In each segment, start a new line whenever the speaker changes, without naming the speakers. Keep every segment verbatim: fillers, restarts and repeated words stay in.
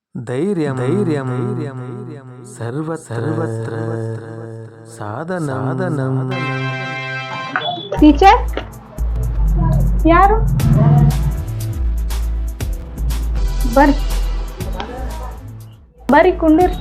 ಧೈರ್ಯಂ ಧೈರ್ಯಂ ಧೈರ್ಯಂ ಸರ್ವ ಸರ್ವತ್ರ ಸಾಧನ ಸಾಧನಂ.
ಟೀಚರ್ ಯಾರು? ಬರ್ರಿ ಬರ್ರಿ ಕುಂಡ್ರಿ.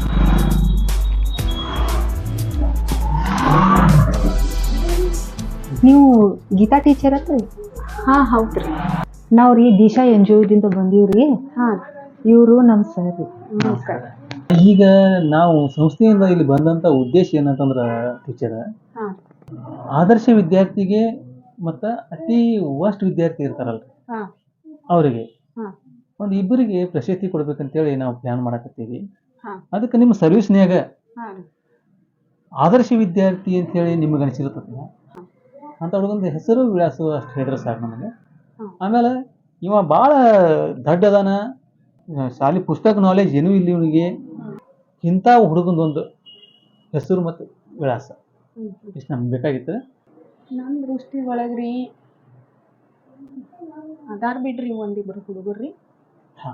ನೀವು ಗೀತಾ ಟೀಚರ್ ಅತ್ರಿ?
ಹಾ ಹೌದ್ರಿ.
ನಾವ್ರಿ ದಿಶಾ ಎನ್ ಜಿ ಒದಿಂದ ಬಂದೀವ್ರಿ.
ಹಾ
ಇವರು ನಮ್ಮ ಸರ್ ರೀ.
ನಮಸ್ಕಾರ.
ಈಗ ನಾವು ಸಂಸ್ಥೆಯಿಂದ ಇಲ್ಲಿ ಬಂದಂತ ಉದ್ದೇಶ ಏನಂತಂದ್ರ ಟೀಚರ್,
ಹಾ
ಆದರ್ಶ ವಿದ್ಯಾರ್ಥಿಗೆ ಮತ್ತ ಅತಿ ವರ್ಸ್ಟ್ ವಿದ್ಯಾರ್ಥಿ ಇರ್ತಾರಲ್ರಿ
ಹಾ
ಅವರಿಗೆ
ಹಾ
ಒಂದು ಇಬ್ಬರಿಗೆ ಪ್ರಶಸ್ತಿ ಕೊಡ್ಬೇಕಂತೇಳಿ ನಾವು ಪ್ಲಾನ್ ಮಾಡಕತ್ತೀವಿ.
ಹಾ
ಅದಕ್ಕೆ ನಿಮ್ಮ ಸರ್ವಿಸ್ನ್ಯಾಗ
ಹಾ
ಆದರ್ಶ ವಿದ್ಯಾರ್ಥಿ ಅಂತೇಳಿ ನಿಮಗೆ ಅನಿಸಿರ್ತದೆ ಅಂತ ಹುಡುಗಂದು ಹೆಸರು ವಿಳಾಸ ಅಷ್ಟು ಹೇಳಿದ್ರೆ ಸಾಕು ನಮಗೆ.
ಹ್ಮ್.
ಆಮೇಲೆ ಇವ ಭಾಳ ದಡ್ಡ ಅದಾನ, ಶಾಲೆ ಪುಸ್ತಕ ನಾಲೆಜ್ ಏನೂ ಇಲ್ಲ ಇವನಿಗೆ, ಇಂಥ ಹುಡುಗಂದೊಂದು ಹೆಸರು ಮತ್ತು ವಿಳಾಸ
ಹ್ಮ್.
ಇಷ್ಟು ನಮ್ಗೆ ಬೇಕಾಗಿತ್ತು.
ನನ್ನ ದೃಷ್ಟಿ ಒಳಗ್ರಿ ಅದಾರ್ ಬಿಡ್ರಿ ಒಂದಿಬ್ರು ಹುಡುಗರ್ರಿ.
ಹಾಂ,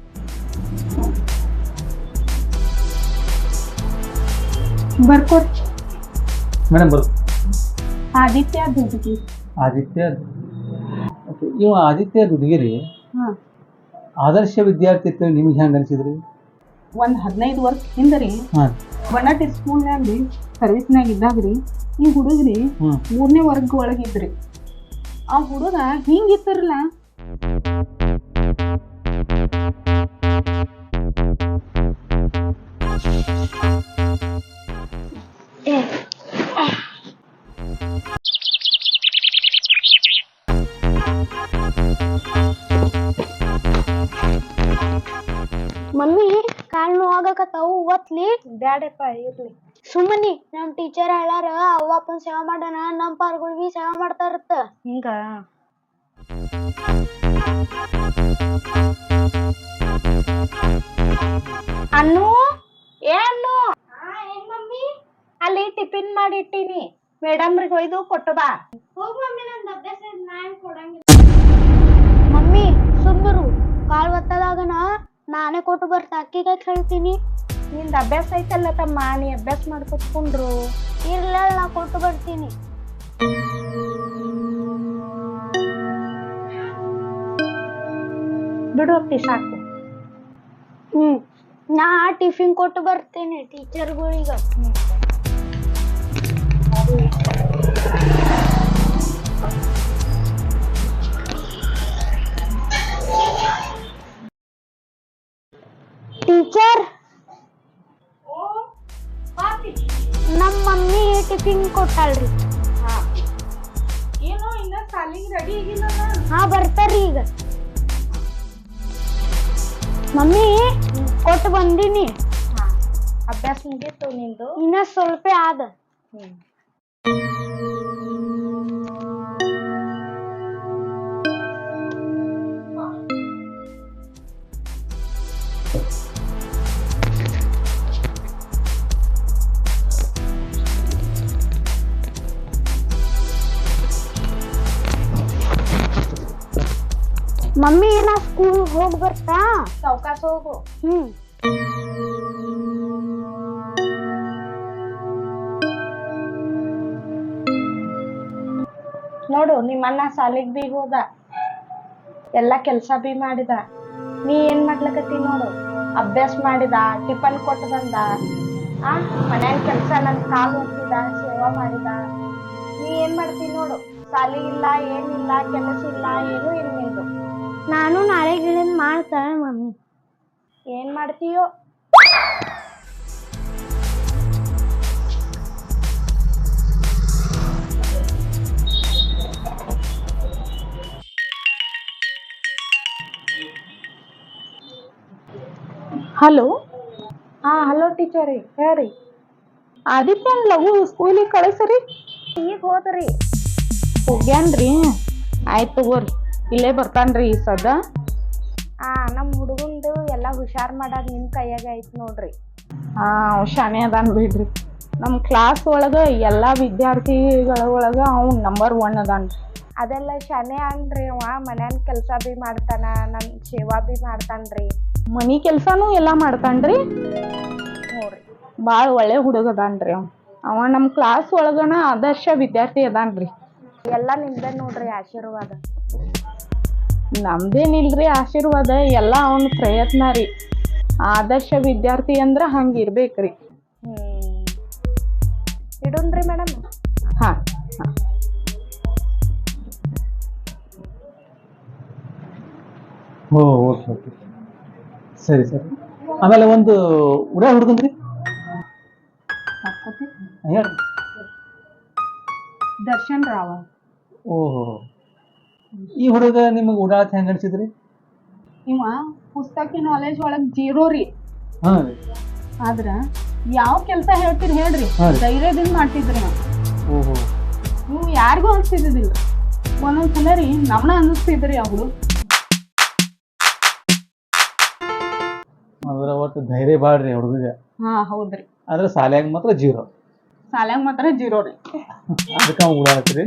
ಬರ್ಕೋರಿ.
ಮೇಡಮ್ ಬರು.
ಆದಿತ್ಯ ದುಡ್ಗಿ.
ಆದಿತ್ಯ, ಓಕೆ. ಇವ ಆದಿತ್ಯ ದುಡ್ಗಿರಿ
ಹಾ
ಆದರ್ಶ ವಿದ್ಯಾರ್ಥಿ ಅಂತೇಳಿ ನಿಮಗೆ ಹೆಂಗೆ ಅನಿಸಿದ್ರಿ?
ಒಂದ್ ಹದಿನೈದು ವರ್ಷ ಹಿಂದ್ರಿ
ಹಾಂ.
ಬಣ್ಣಾಟಿ ಸ್ಕೂಲ್ನಾಗ್ರಿ ಸರ್ವಿಸ್ನಾಗ ಇದ್ದಾಗ್ರಿ ಈ ಹುಡುಗ್ರಿ
ಹ್ಞೂ
ಮೂರನೇ ವರ್ಗ ಒಳಗಿದ್ರಿ. ಆ ಹುಡುಗ ಹಿಂಗಿತ್ತಿರಲ್ಲ
ಮಮ್ಮಿ ಕಾಲ್ ನೋವಾಗಕತ್ತಾವು ಓದ್ಲಿ.
ಬ್ಯಾಡಪ್ಪ ಇರ್ಲಿ.
ಸುಮ್ಮನಿ ನಮ್ ಟೀಚರ್ ಹೇಳಾರ ಅವ್ವ ಅಪ್ಪನ್ ಸೇವಾ ಮಾಡೋಣ ನಮ್ ಪಾರ್ಗಳು ಬಿ ಸೇವಾ ಮಾಡ್ತಾರತ್ತ.
ಹಿಂಗ ಅನ್ನು ಏ ಅನ್ನು
ಮಮ್ಮಿ
ಅಲ್ಲಿ ಟಿಫಿನ್ ಮಾಡಿ ಇಟ್ಟೀನಿ, ಮೇಡಮ್ರಿಗೆ ಒಯ್ದು ಕೊಟ್ಟು ಬಾ.
ಹೋಗ್ ಮಮ್ಮಿ ನಂದ್ ಅಭ್ಯಾಸ ನಾನ್ ಕೊಡಂಗಿಲ್ಲ. ಮಮ್ಮಿ ಸುಮ್ಮರು ಕಾಲ್ ಒತ್ತದಾಗನ ನಾನೇ ಕೊಟ್ಟು ಬರ್ತಾ ಅಕ್ಕಿಗೆ ಹೇಳ್ತೀನಿ.
ನಿಂದ ಅಭ್ಯಾಸ ಐತಲ್ಲ ತಮ್ಮ, ನೀ ಅಭ್ಯಾಸ ಮಾಡ್ಕೊತ್ಕೊಂಡ್ರು.
ಇರ್ಲ ನಾ ಕೊಟ್ಟು ಬರ್ತೀನಿ.
ಬಿಡು ಅಪ್ಪಿ ಸಾಕು.
ಹ್ಮ್ ನಾ ಟಿಫಿನ್ ಕೊಟ್ಟು ಬರ್ತೀನಿ ಟೀಚರ್ಗಳಿಗ. ಟೀಚರ್ ನಮ್ಮ ಮಮ್ಮಿ ಟಿಫಿನ್ ಕೊಟ್ಟಾಳ್ರಿ.
ಏನೋ ಇನ್ನ ಸಾಲಿಗೆ ರೆಡಿ ಆಗಿಲ್ಲ.
ಹಾ ಬರ್ತಾರ್ರಿ ಈಗ. ಮಮ್ಮಿ ಕೊಟ್ಟು ಬಂದೀನಿ.
ಅಭ್ಯಾಸ ಮುಗೀತು ನಿಂದು?
ಇನ್ನ ಸ್ವಲ್ಪ ಆದ. ಮಮ್ಮಿ ನಾ ಸ್ಕೂಲ್ ಹೋಗಿ ಬರ್ತಾ.
ಸಾವ್ಕಾಸ ಹೋಗು.
ಹ್ಮ್
ನೋಡು ನಿಮ್ಮಣ್ಣ ಸಾಲಿಗೆ ಬಿ ಹೋದ, ಎಲ್ಲಾ ಕೆಲ್ಸ ಬಿ ಮಾಡಿದ. ನೀ ಏನ್ ಮಾಡ್ಲಕತ್ತಿ ನೋಡು, ಅಭ್ಯಾಸ ಮಾಡಿದ, ಟಿಫನ್ ಕೊಟ್ಟು ಬಂದ, ಆ ಮನ್ಯಾನ ಕೆಲ್ಸ ನನ್ ಕಾಲ್ ಒತ್ತಿದ, ಸೇವಾ ಮಾಡಿದ. ನೀ ಏನ್ ಮಾಡ್ತಿ ನೋಡು, ಸಾಲಿ ಇಲ್ಲ ಏನಿಲ್ಲ, ಕೆಲಸ ಇಲ್ಲ, ಏನು ಇಲ್ಲ ನಿಂದು.
ನಾನು ನಾಳೆ ಗಿಳಿನ್ ಮಾಡ್ತಾಳೆ ಮಮ್ಮಿ.
ಏನ್ ಮಾಡ್ತೀಯೋ? ಹಲೋ. ಹಾ ಹಲೋ ಟೀಚರ್ ರೀ, ಹೇಳ್ರಿ. ಆದಿತ್ಯನ್ ಲಘು ಸ್ಕೂಲಿಗೆ ಕಳಿಸ್ರಿ. ಈಗ ಹೋದ್ರಿ. ಹೋಗ್ಯಾನ್ರಿ? ಆಯ್ತು ತಗೋರಿ, ಇಲ್ಲೇ ಬರ್ತಾನ್ರಿ ಈ ಸದ. ಆ ನಮ್ಮ ಹುಡುಗಂದು ಎಲ್ಲ ಹುಷಾರ್ ಮಾಡೋದು ನಿಮ್ಮ ಕೈಯಾಗ ಐತಿ ನೋಡ್ರಿ. ಹಾ ಶಾನೆ ಅದಾನ್ ಬಿಡ್ರಿ. ನಮ್ಮ ಕ್ಲಾಸ್ ಒಳಗೆ ಎಲ್ಲ ವಿದ್ಯಾರ್ಥಿಗಳ ಒಳಗೆ ಅವ್ನು ನಂಬರ್ ಒನ್ ಅದಾನ್ರಿ. ಅದೆಲ್ಲ ಶನೆ ಅನ್ರಿ ಅವ ಮನ್ಯಾನ ಕೆಲಸ ಬಿ ಮಾಡ್ತಾನ ನಮ್ ಸೇವಾ ಬಿ ಮಾಡ್ತಾನ್ರಿ ಮನಿ ಕೆಲ್ಸಾನು ಎಲ್ಲಾ ಮಾಡ್ತಾನ್ರಿ ನೋಡ್ರಿ ಬಾಳ ಒಳ್ಳೆ ಹುಡುಗ ಅದಾನ್ರಿ ಅವ ಅವ ನಮ್ ಕ್ಲಾಸ್ ಒಳಗನ ಆದರ್ಶ ವಿದ್ಯಾರ್ಥಿ ಅದಾನ್ರಿ ಎಲ್ಲಾ ನಿಮ್ದ ನೋಡ್ರಿ ಆಶೀರ್ವಾದ ನಮ್ದೇನಿಲ್ರಿ ಆಶೀರ್ವಾದ ಎಲ್ಲಾ ಅವನ ಪ್ರಯತ್ನ ರೀ ಆದರ್ಶ ವಿದ್ಯಾರ್ಥಿ ಅಂದ್ರ ಹಂಗ ಇರ್ಬೇಕ್ರಿ ಹ್ಮ್ ಇಡುನ್ರಿ ಮೇಡಮ್ ಹಾ ಹಾ
ಓ ಓಕೆ ಓಕೆ ಸರಿ ಸರಿ ಆಮೇಲೆ ಒಂದು ಉಡಾ ಹುಡುಗನ್ರಿ ಹೇಳಿ
ದರ್ಶನ್ ರಾವ
ಓಹೋ ಈ ಹುಡುಗ ನಿಮಗೆ ಉಡಾಳತ್ ಹೆಂಗೆ ಅನ್ಸಿದ್ರಿ
ಇವ ಪುಸ್ತಕಿ ನಾಲೆಜ್ ಒಳಗ್ ಜೀರೋ ರೀ
ಹಾಂ ರೀ
ಆದ್ರ ಯಾವ ಕೆಲ್ಸ ಹೇಳ್ತೀರಿ ಹೇಳ್ರಿ
ಹಾ ರೀ.
ಧೈರ್ಯದಿಂದ ಮಾಡ್ತಿದ್ರಿ ನಾವು
ಓಹೋ
ನೀವು ಯಾರಿಗೂ ಅನ್ಸ್ತಿದ್ದಿಲ್ಲ ಒಂದೊಂದ್ಸಲ ರೀ ನಮ್ನ ಅನ್ನಿಸ್ತಿದ್ರಿ ಅವ್ರು
ಅದರ ಒಟ್ಟು ಧೈರ್ಯ ಬಾಳ್ರಿ ಹುಡುಗಿಗೆ
ಹಾ ಹೌದ್ರಿ
ಆದ್ರೆ ಶಾಲ್ಯಾಗ ಮಾತ್ರ ಜೀರೋ
ಸಾಲ್ಯಾಗ ಮಾತ್ರ ಜೀರೋ ರೀ
ಅದಕ್ಕೆ ಅವ್ನು ಉಡಾಳತ್ರಿ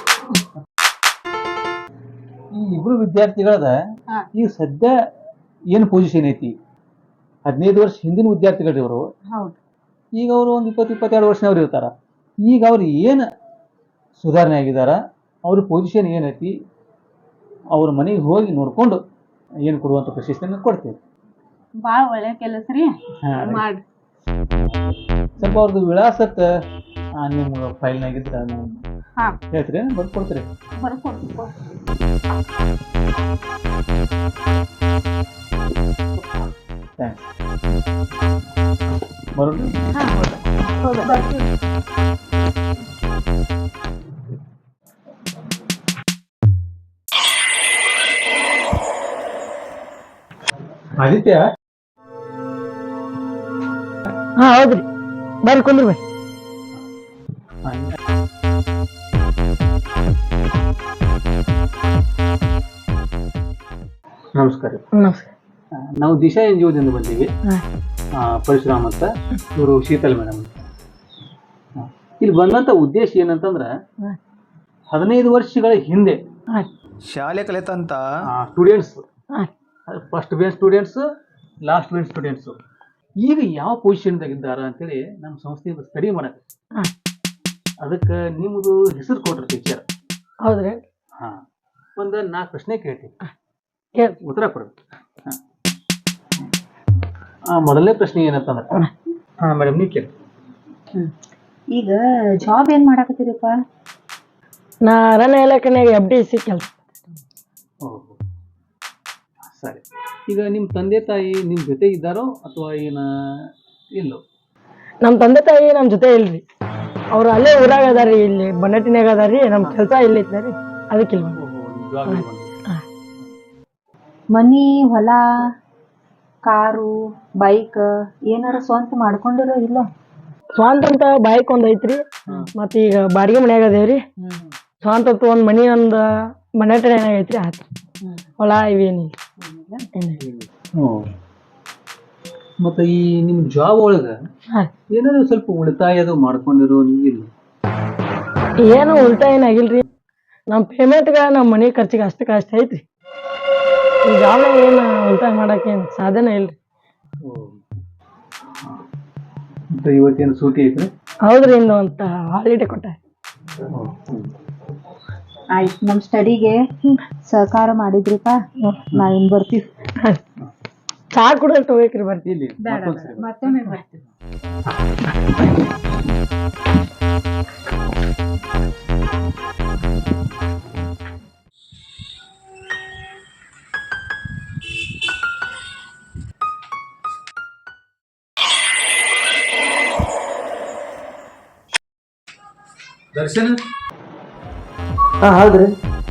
ಈ ಇಬ್ರು ವಿದ್ಯಾರ್ಥಿಗಳದ
ಹಾ.
ಈಗ ಸದ್ಯ ಏನು ಪೊಸಿಷನ್ ಐತಿ ಹದಿನೈದು ವರ್ಷ ಹಿಂದಿನ ವಿದ್ಯಾರ್ಥಿಗಳು ಇವರು
ಹೌದು
ಈಗ ಅವರು ಒಂದು ಇಪ್ಪತ್ತು ಇಪ್ಪತ್ತೆರಡು ವರ್ಷನವ್ರು ಇರ್ತಾರ ಈಗ ಅವ್ರು ಏನು ಸುಧಾರಣೆ ಆಗಿದಾರ ಅವ್ರ ಪೊಸಿಷನ್ ಏನೈತಿ ಅವ್ರ ಮನೆಗೆ ಹೋಗಿ ನೋಡ್ಕೊಂಡು ಏನು ಕೊಡುವಂಥ ಪ್ರಶಸ್ತಿಯನ್ನು ಕೊಡ್ತೀವಿ
ಬಾಳ ಒಳ್ಳೆ ಕೆಲಸ ರೀ
ಹಾ ರೀ.
ಮಾಡ್ರಿ
ಸ್ವಲ್ಪ ಅವ್ರದ್ದು ವಿಳಾಸತ್ತ ನಿಮ್ಮ ಫೈಲ್ನಾಗಿದ್ರೆ ನೀವು
ಹಾ
ಹೇಳ್ತೀರಿ ಬರ್ಕೊಡ್ತೀರಿ
ಬರ್ಕೊಡ್ರಿ
ಥ್ಯಾಂಕ್ಸ್ ಬರೋಣ
ಹಾ ಹೌದು ಹೌದು ಬರ್ತೀವಿ
ಆದಿತ್ಯ
ಹಾ ಹೌದ್ರಿ ಬರ್ರಿ ಕುಂದ್ರಿ ಬೈ
ನಮಸ್ಕಾರ
ನಮಸ್ಕಾರ
ಆ, ನಾವು ದಿಶಾ ಎನ್ ಜಿ ಒದಿಂದ ಬಂದೀವಿ
ಹಾ.
ಆ, ಪರಶುರಾಮ್ ಅಂತ ಇವರು ಶೀತಲ್ ಮೇಡಮ್ ಅಂತ ಆ, ಇಲ್ಲಿ ಬಂದಂತ ಉದ್ದೇಶ ಏನಂತಂದ್ರ
ಹಾ.
ಹದಿನೈದು ವರ್ಷಗಳ ಹಿಂದೆ
ಹಾ
ಶಾಲೆ ಕಲಿತಂತ
ಸ್ಟೂಡೆಂಟ್ಸ್
ಹಾ
first bench students last bench students ಈಗ ಯಾವ ಪೊಸಿಷನ್ದಾಗ ಇದ್ದಾರ ಅಂತೇಳಿ ನಮ್ಮ ಸಂಸ್ಥೆಯಿಂದ ಸ್ಟಡಿ ಮಾಡಕ್ಕೆ
ಹಾ.
ಅದಕ್ಕೆ ನಿಮ್ಮದು ಹೆಸರು ಕೊಟ್ರಿ ಟೀಚರ್
ಹೌದ್ರಿ
ಹಾ ಒಂದು ನಾಲ್ಕು ಪ್ರಶ್ನೆ ಕೇಳ್ತೀನಿ
ಕೇಳಿ
ಉತ್ತರ ಕೊಡ್ಬೇಕು ಹಾ. ಆ, ಮೊದಲನೇ ಪ್ರಶ್ನೆ ಏನಂತಂದ್ರೆ ಹಾ ಮೇಡಮ್ ನೀವು ಕೇಳಿ
ಈಗ ಜಾಬ್ ಏನ್ ಮಾಡಾಕತ್ತೀರಪ್ಪ ನಾ ಅರಣ್ಯ ಇಲಾಖೆನಾಗ ಎಫ್ ಡಿ ಸಿ ಕೆಲಸ
ಓಹೋ ಸರಿ ಈಗ ನಿಮ್ಮ ತಂದೆ ತಾಯಿ ನಿಮ್ಮ ಜೊತೆ ಇದ್ದಾರೋ ಅಥವಾ ಏನ ಇಲ್ಲೋ
ನಮ್ಮ ತಂದೆ ತಾಯಿ ನಮ್ಮ ಜೊತೆ ಇಲ್ರಿ ಅವ್ರು ಅಲ್ಲೇ ಊರಾಗ ಅದಾರಿ ಇಲ್ಲಿ ಬನ್ನಟ್ಟಿನಾಗ ಅದಾರಿ ನಮ್ಮ ಕೆಲಸ ಇಲ್ಲಿ ಐತ್ರಿ ಅದಕ್ಕಿಲ್ವ
ಓಹೋ ನಿಜವಾಗ್ಲೂ ಬಂದ್ರಿ.
ಮನಿ ಹೊಲ ಕಾರು ಬೈಕ್ ಏನಾರ ಸ್ವಂತ ಮಾಡ್ಕೊಂಡಿರೋ ಇಲ್ಲ ಸ್ವಂತ ಅಂತ ಬೈಕ್ ಒಂದ್ ಐತ್ರಿ ಮತ್ತ ಈಗ ಬಾಡಿಗೆ ಮನ್ಯಾಗ ಅದೇವ್ರಿ ಸ್ವಂತ ಅಂತ ಒಂದ್ ಮನಿ ಒಂದ್ ಮನೆ ಏನಾಗ ಐತ್ರಿ ಆತ ಹೊಲ ಇವೇನಿಲ್ಲ
ಹ್ಮ್. ಮತ್ತೆ ಈ ನಿಮ್ಮ ಜಾಬ್ ಒಳಗ
ಹಾ.
ಏನಾದ್ರು ಸ್ವಲ್ಪ ಉಳಿತಾಯದು ಮಾಡ್ಕೊಂಡಿರೋ ಇಲ್ಲ
ಏನು ಉಲ್ಟಾ ಏನಾಗಿಲ್ರಿ ನಮ್ ಪೇಮೆಂಟ್ಗ ನಮ್ಮ ಮನಿ ಖರ್ಚಿಗೆ ಅಷ್ಟಕ್ಕೆ ಅಷ್ಟ ಐತ್ರಿ ಈ ಜಾಬ್ ಏನು ಉಲ್ಟಾಯ ಮಾಡಕ್ಕೆ ಏನ್ ಸಾಧನೆ ಇಲ್ರಿ
ಮತ್ತೆ ಇವತ್ತೇನು ಸೂಟಿ ಐತ್ರಿ
ಹೌದ್ರಿ ಇನ್ನು ಅಂತ ಹಾಲಿಡೇ ಕೊಟ್ಟ
ಆಯ್ತು ನಮ್ ಸ್ಟಡಿಗೆ ಸಹಕಾರ ಮಾಡಿದ್ರಿಪ್ಪ ನಾವಿನ್ ಬರ್ತೀವಿ
ಚಾ ಕುಡ್ದಟ್ಟು ಹೋಗ್ಬೇಕ್ರಿ ಬರ್ತೀವಿ
ಇಲ್ಲಿ ಮತ್ತೊಂದ್ಸರಿ ಬಾ.
ಮತ್ತೊಮ್ಮೆ ಬರ್ತೀವಿ
ದರ್ಶನ್
ಹಾ ಹೌದ್ರಿ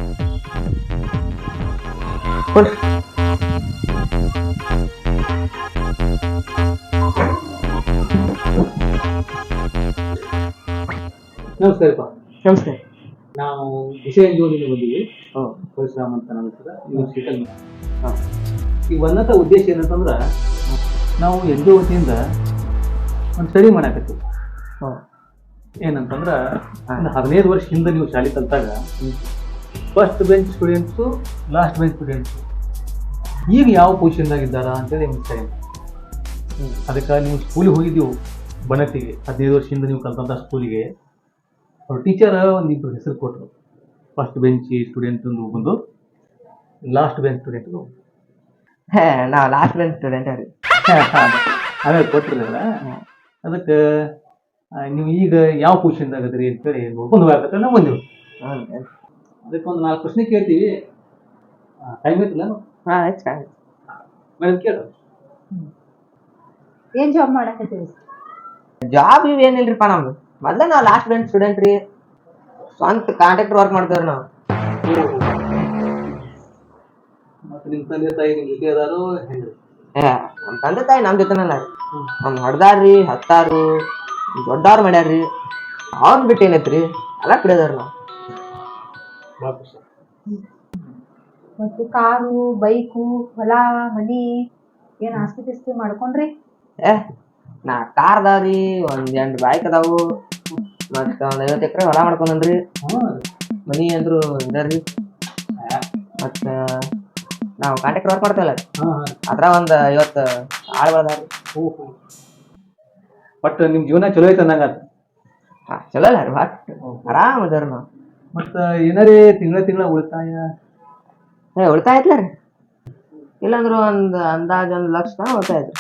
ನಮಸ್ಕಾರಪ್ಪ
ನಮಸ್ತೆ
ನಾವು ದಿಶಾ ಎನ್ ಜಿ ಒದಿಂದ ಬಂದೀವಿ ಪರಶುರಾಮ್ ಅಂತ ನನ್ನ ಹೆಸರು ಇದು ಶೀತಲ್ ಹಾಂ ಈಗ ಬಂದಂಥ ಉದ್ದೇಶ ಏನಂತಂದ್ರೆ ನಾವು ಎನ್ ಜಿ ಒ ವತಿಯಿಂದ ಒಂದು ಸ್ಟಡಿ ಮಾಡಾಕತ್ತೀವಿ ಏನಂತಂದ್ರೆ ಒಂದು ಹದಿನೈದು ವರ್ಷ ಹಿಂದೆ ನೀವು ಶಾಲೆ ಕಲಿತಾಗ first bench students last bench students ಈಗ ಯಾವ ಪೊಸಿಷನ್ದಾಗ ಇದ್ದಾರ ಅಂತೇಳಿ ನಿಮ್ಗೆ ಟೈಮ್. ಅದಕ್ಕೆ ನೀವು ಸ್ಕೂಲಿಗೆ ಹೋಗಿದ್ದೀವಿ ಬನತಿಗೆ, ಹದಿನೈದು ವರ್ಷದಿಂದ ನೀವು ಕಲ್ತಂಥ ಸ್ಕೂಲಿಗೆ ಅವ್ರ ಟೀಚರ್ ಒಂದಿಬ್ಬರು ಹೆಸರು ಕೊಟ್ಟರು. ಫಸ್ಟ್ ಬೆಂಚ್ ಸ್ಟೂಡೆಂಟ್ ಒಂದು ಬಂದು ಲಾಸ್ಟ್ ಬೆಂಚ್ ಸ್ಟೂಡೆಂಟ್
ನಾವು ಲಾಸ್ಟ್ ಬೆಂಚ್ ಸ್ಟೂಡೆಂಟ್ ರೀ.
ಆಮೇಲೆ ಕೊಟ್ಟಿರಲ್ಲ. ಅದಕ್ಕೆ ನೀವು ಈಗ ಯಾವ ಪೊಸಿಷನ್ದಾಗ ಅದ್ರಿ ಅಂತೇಳಿ ನೋಡ್ಕೊಂಡು ಹೋಗತ್ತೆ ನಾವು ಬಂದೆವು. ಅದಕ್ಕೆ ಒಂದು ನಾಲ್ಕು ಪ್ರಶ್ನೆ ಕೇಳ್ತೀವಿ. ಟೈಮ್ ಐತಿಲ್ಲ
ಹಾಂ ಆಯ್ತು.
ಮೇಡಮ್ ಕೇಳ.
ಏನ್ ಜಾಬ್ ಮಾಡಕತ್ತೀವಿ?
ಜಾಬ್ ಇವ್ ಏನಿಲ್ರಿಪ್ಪ ನಮ್ದು. ಮೊದ್ಲ ನಾವು ಲಾಸ್ಟ್ ಬೆಂಚ್ ಸ್ಟೂಡೆಂಟ್ ರೀ. ಸ್ವಂತ ಕಾಂಟ್ರಾಕ್ಟರ್ ವರ್ಕ್ ಮಾಡ್ತೇವ್ರಿ ನಾವು.
ಮತ್ತೆ ನಿಮ್ಮ ತಂದೆ ತಾಯಿ ನಿಮ್ಮ ಜೊತೆ ಅದಾರು ಹೆಂಗ್ರಿ?
ಏ ನಮ್ಮ ತಂದೆ ತಾಯಿ ನಮ್ಮ ಜೊತೆನಲ್ಲ ರೀ. ನಮ್ ಹೊಡ್ದಾರ್ರಿ, ಹತ್ತಾರು, ದೊಡ್ಡವ್ರು ಮಾಡ್ಯಾರ್ರಿ. ಅವ್ರನ್ನ ಬಿಟ್ಟು ಏನೈತ್ರಿ, ಎಲ್ಲ ಕುಡಿಯೋದಾರ ನಾವು.
ಭಾಳ ಖುಷಿ.
ಮತ್ತು ಕಾರು, ಬೈಕು, ಹೊಲ, ಮನಿ ಏನ್ ಆಸ್ತಿ ಪಾಸ್ತಿ ಮಾಡ್ಕೊಂಡ್ರಿ?
ಏ ನಾ ಕಾರ್ ಅದಾವ್ರಿ, ಒಂದ್ ಎಂಟು ಬೈಕ್ ಅದಾವು, ಮತ್ತ ಒಂದ್ ಐವತ್ತು ಎಕರೆ ಹೊಲ ಮಾಡ್ಕೊಂಡ್ರಿ. ಮನಿ ಅಂದ್ರು ಇದಾರ್ರಿ. ಮತ್ತ ನಾವು ಕಾಂಟ್ರಾಕ್ಟರ್ ವರ್ಕ್ ಮಾಡ್ತೇವಲ್ಲ, ಅದ್ರ ಒಂದ್ ಐವತ್ತು ಆಳ್ಗಳದಾವ್ರಿ.
ಬಟ್ ನಿಮ್ ಜೀವನ ಚಲೋ ಐತೆ ಅಂದಂಗ.
ಹಾ ಚಲೋ ಅಲ್ಲ ರೀ, ಬಟ್ ಆರಾಮ್ ಅದಾರ ನಾವು.
ಮತ್ತ ಏನಾರೇ ತಿಂಗಳ ತಿಂಗಳ ಉಳಿತಾಯ
ಏ ಉಳಿತಾಯ ಐತ್ಲ ರೀ. ಇಲ್ಲಾಂದ್ರ ಒಂದ್ ಅಂದಾಜ್ ಒಂದ್ ಲಕ್ಷ ತನಕ ಉಳಿತಾಯ ಐತ್ರಿ.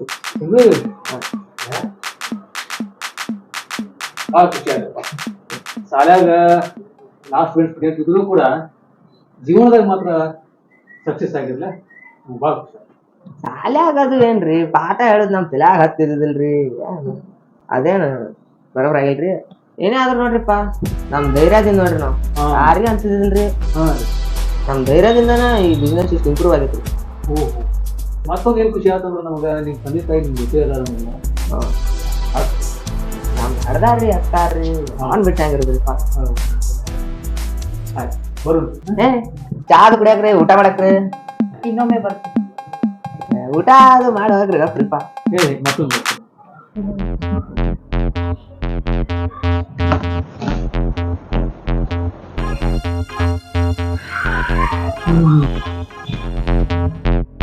ಭಾಳ ಖುಷಿ ಆಗಪ್ಪ. ಶಾಲ್ಯಾಗ ಲಾಸ್ಟ್ ಬೆಂಚ್ ಸ್ಟೂಡೆಂಟ್ ಇದ್ರು ಕೂಡ ಜೀವನದಾಗ ಮಾತ್ರ ಸಕ್ಸಸ್ ಆಗಿರ್ಲ, ಭಾಳ ಖುಷಿ.
ಶಾಲ್ಯಾಗ ಅದು ಏನ್ರಿ ಪಾಠ ಹೇಳುದ್ ನಮ್ ತಲ್ಯಾಗ ಹತ್ತಿದಿಲ್ರಿ. ಅದೇನು ಬರೋಬ್ರ ಆಗಿಲ್ರಿ. ಏನೇ ಆದ್ರೂ ನೋಡ್ರಿಪ್ಪ ನಮ್ ಧೈರ್ಯದಿಂದ ನೋಡ್ರಿ ನಾವು ಯಾರಿಗೆ ಅನ್ಸಿದಿಲ್ರಿ. ನಮ್ ಧೈರ್ಯದಿಂದನ ಈ ಬಿಸ್ನೆಸ್ ಇಷ್ಟು ಇಂಪ್ರೂವ್ ಆಗೈತ್ರಿ.
ಓಹೋ, ಮತ್ತೊಂದು ಏನು ಖುಷಿ ಆತಂದ್ರೆ ನಮ್ಗೆ ನಿಮ್ಮ ತಂದೆ ತಾಯಿ ನಿಮ್ಮ ಜೊತೆ ಅದಾರ.
ನಮ್ ಹಡ್ದಾರ್ರಿ ಹತ್ತಾರ್ರಿ ಅವನ್ ಬಿಟ್ಟು ಹೆಂಗಿರೋದ್ರಿಪ್ಪ.
ಆಯ್ತು ಬರೋಣ.
ಏ ಚಾದ್ ಕುಡಿಯಾಕ್ರಿ, ಊಟ ಮಾಡಕ್ರಿ.
ಇನ್ನೊಮ್ಮೆ ಬರ್ತೀನಿ.
ಊಟ ಅದು ಮಾಡಿ ಹೋಗ್ರಿ ಗಪ್ರಿಪ್ಪ.
ಹೇಳಿ ಮತ್ತೊಂದು. ಹ್ಮ್